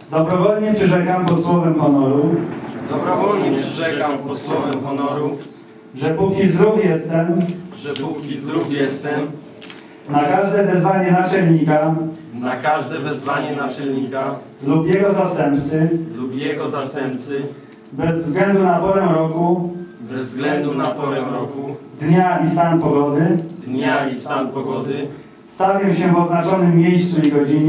Dobrowolnie przyrzekam pod słowem honoru, że póki zdrów jestem, na każde wezwanie naczelnika lub jego zastępcy, bez względu na porę roku, dnia i stan pogody, stawię się w oznaczonym miejscu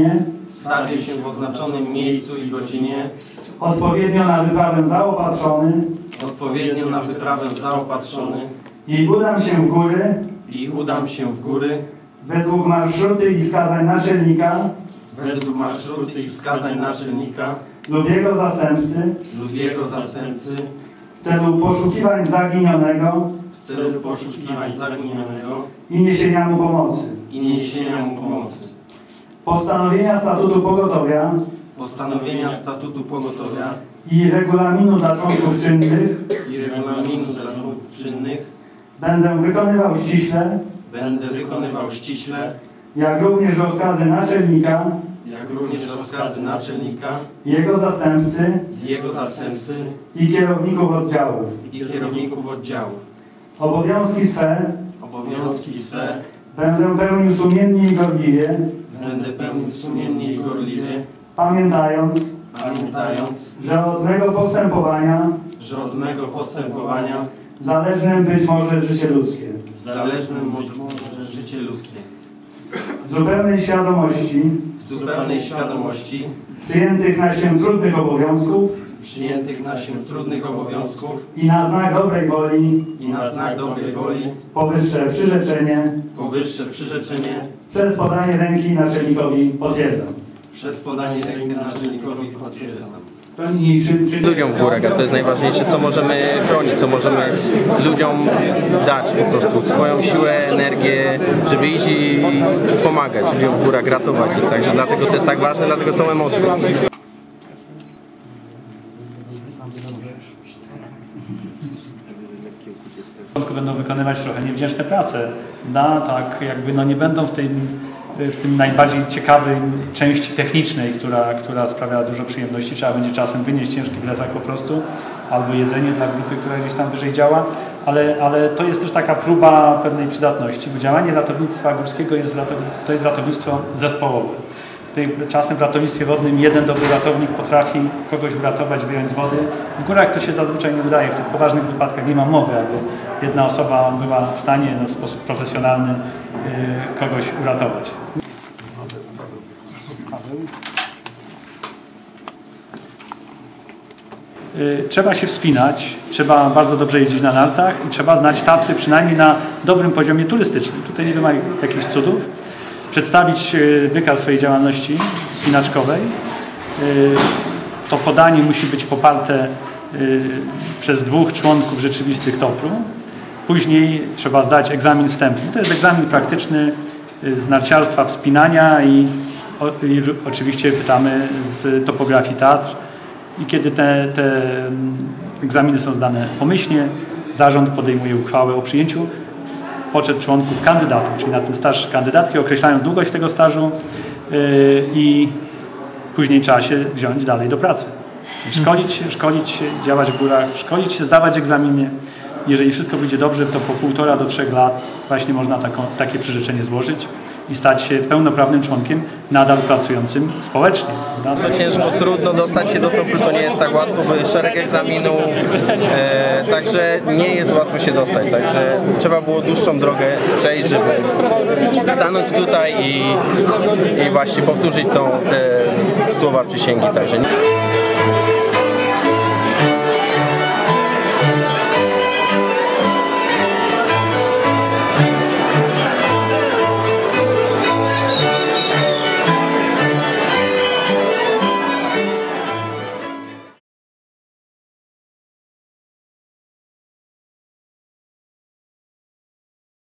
i godzinie, odpowiednio na wyprawę zaopatrzony i udam się w góry według marszruty i wskazań naczelnika lub jego zastępcy w celu poszukiwań zaginionego i niesienia mu pomocy. Postanowienia statutu pogotowia i regulaminu dla członków czynnych będę wykonywał ściśle, jak również rozkazy naczelnika, jego zastępcy i kierowników oddziałów. Obowiązki swe będę pełnił sumiennie i gorliwie, pamiętając, że od mego postępowania zależnym być może życie ludzkie. W zupełnej świadomości przyjętych na się trudnych obowiązków i na znak dobrej woli powyższe przyrzeczenie przez podanie ręki naczelnikowi potwierdzam. Ludziom w górach, a to jest najważniejsze, co możemy chronić, co możemy ludziom dać po prostu, swoją siłę, energię, żeby iść i pomagać ludziom w górach, ratować ich, także dlatego to jest tak ważne, dlatego są emocje. Będą wykonywać trochę niewdzięczne prace, tak jakby nie będą w tym najbardziej ciekawej części technicznej, która sprawia dużo przyjemności. Trzeba będzie czasem wynieść ciężki plecak po prostu, albo jedzenie dla grupy, która gdzieś tam wyżej działa, ale to jest też taka próba pewnej przydatności, bo działanie ratownictwa górskiego to jest ratownictwo zespołowe. Tutaj czasem w ratownictwie wodnym jeden dobry ratownik potrafi kogoś uratować, wyjąć z wody. W górach to się zazwyczaj nie udaje. W tych poważnych wypadkach nie ma mowy, aby jedna osoba była w stanie w sposób profesjonalny kogoś uratować. Trzeba się wspinać, trzeba bardzo dobrze jeździć na nartach i trzeba znać Tatry przynajmniej na dobrym poziomie turystycznym. Tutaj nie ma jakichś cudów. Przedstawić wykaz swojej działalności wspinaczkowej. To podanie musi być poparte przez 2 członków rzeczywistych TOPR-u. Później trzeba zdać egzamin wstępny. To jest egzamin praktyczny z narciarstwa, wspinania i oczywiście pytamy z topografii Tatr. I kiedy te egzaminy są zdane pomyślnie, zarząd podejmuje uchwałę o przyjęciu poczet członków kandydatów, czyli na ten staż kandydacki, określając długość tego stażu i później trzeba się wziąć dalej do pracy. Szkolić się, działać w górach, szkolić się, zdawać egzaminy. Jeżeli wszystko wyjdzie dobrze, to po 1,5 do 3 lat właśnie można takie przyrzeczenie złożyć i stać się pełnoprawnym członkiem nadal pracującym społecznie. To ciężko, trudno dostać się do TOPR-u, to nie jest tak łatwo, bo jest szereg egzaminów, także nie jest łatwo się dostać, także trzeba było dłuższą drogę przejść, żeby stanąć tutaj i właśnie powtórzyć te słowa przysięgi. Także